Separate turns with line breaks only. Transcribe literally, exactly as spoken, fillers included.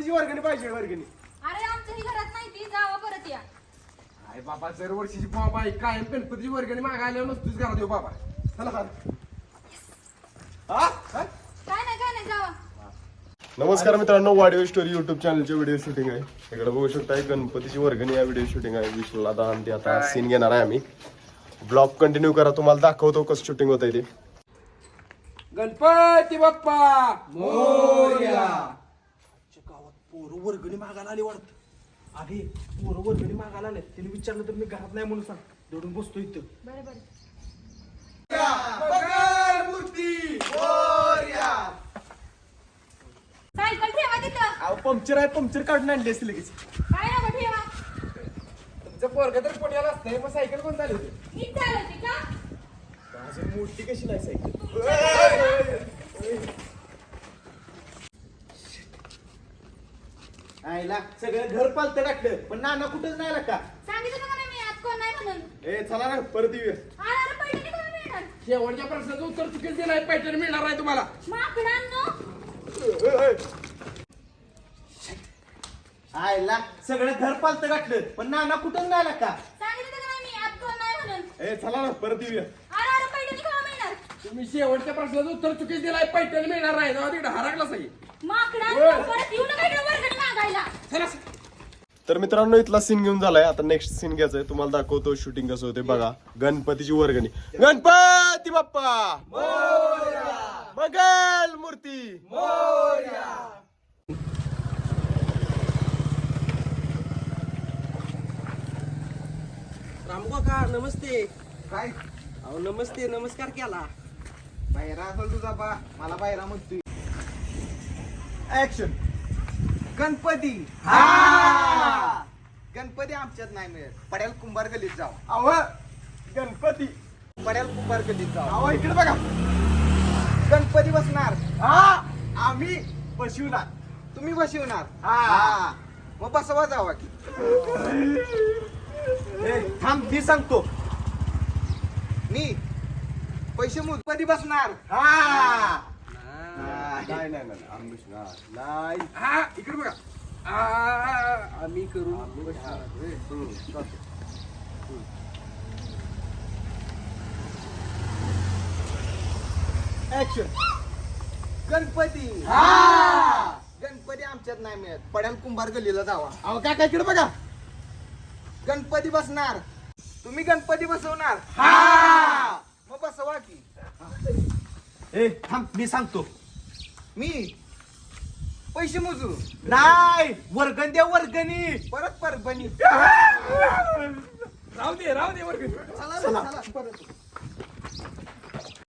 गणपतीची वर्गणी पाहिजे वर्गणी.
अरे आमच्याही घरात नाही ती जावा परत या.
अरे बाबा दरवर्षीची बाबा कायम गणपतीची वर्गणी मागायला नसतोच घरात येऊ बाबा. चला हा
काय नाही काय नाही जावा.
नमस्कार मित्रांनो, वाडिओ स्टोरी युट्यूब चॅनलचे व्हिडिओ शूटिंग आहे. इकडे बघू शकता गणपतीची वर्गणी या व्हिडिओ शूटिंग आहे. विष्णूला दहा ते आता सीन घेणार आहे आम्ही. ब्लॉग कंटिन्यू करा, तुम्हाला दाखवतो कसं शूटिंग होत आहे ते.
गणपती बाप्पा मोरया.
गावात पोरं वर्गणी मागायला आली वाटत. अरे पोरं वर्गणी मागायला आले, तिने विचारलं तर मी घरात नाही म्हणून सांग. दडून बसतो इथं.
बरं बरं.
मूर्ती मोरया.
सायकल ठेवा तिथं.
अहो पंक्चर आहे, पंक्चर काढून आणली असते लगेच.
काय नको ठेवा.
तुमचं पोरग तर पुण्याला असतंय, मग सायकल कोण चालू होते?
हीच चालवते का?
अजून मोठी कशी नाही सायकल. आईला सगळं घर पालतं टाकलं, पण नाना कुठंच नाही आला का?
सांगितलं का नाही मी आज कोण नाही म्हणून.
ए चला ना परत येऊया.
अरे अरे पैठणी कोण मिळणार?
शेवटच्या प्रश्नाचं उत्तर चुकीच दिलंय. पैठण मिळणार आहे तुम्हाला.
माकडांनो.
आईला सगळं घर पालतं टाकलं, पण नाना कुठंच नाही आला का?
सांगितलं का नाही मी आज कोण नाही म्हणून.
ए चला ना परत येऊया.
अरे अरे पैठणी कोण मिळणार?
तुम्ही शेवटच्या प्रश्नाचं उत्तर चुकीच दिलाय. पैठण मिळणार नाही. जेव्हा तिकडे हरकला सगळी.
माकडांनो परत येऊ नका इकडे वर्गणी मागायला.
चला
तर मित्रांनो, इथला सीन घेऊन झालाय. आता नेक्स्ट सीन घ्यायचंय. तुम्हाला दाखवतो शूटिंग कसं होते बघा. गणपतीची वर्गणी. गणपती बाप्पा मंगल मूर्ती.
रामू काका नमस्ते.
काय
अहो नमस्ते नमस्कार केला.
बाहेर असेल तुझा बा, मला बाहेर म्हणतोय.
ऍक्शन. गणपती हा गणपती आमच्यात नाही मिळत. पड्याल कुंभार गल्लीत जाऊ.
अव गणपती.
पड्याल कुंभार गल्लीत जाऊ.
अहो इकडे बघा.
गणपती बसणार.
हा आम्ही बसवणार.
तुम्ही बसवणार.
हा.
हा मग बसवा जावा की.
ए थांब मी सांगतो.
मी पैसे मोज. गणपती बसणार.
हा
नाही नाही नाही आम्ही बसणार नाही.
हा इकडे बघा. आ, आम्ही करू.
ऍक्शन. गणपती
हा
गणपती आमच्यात नाही मिळत. पड्याल कुंभार गल्लीला जावा.
अहो काय काय इकडे बघा.
गणपती बसणार. तुम्ही गणपती बसवणार.
हा
मग बसवा की.
ए थांब मी सांगतो.
मी पैसे मोजू.
नाही वर्गण द्या वर्गणी.
परत परभणी.
राहू दे राहू दे वर्ग.
चला चला परत.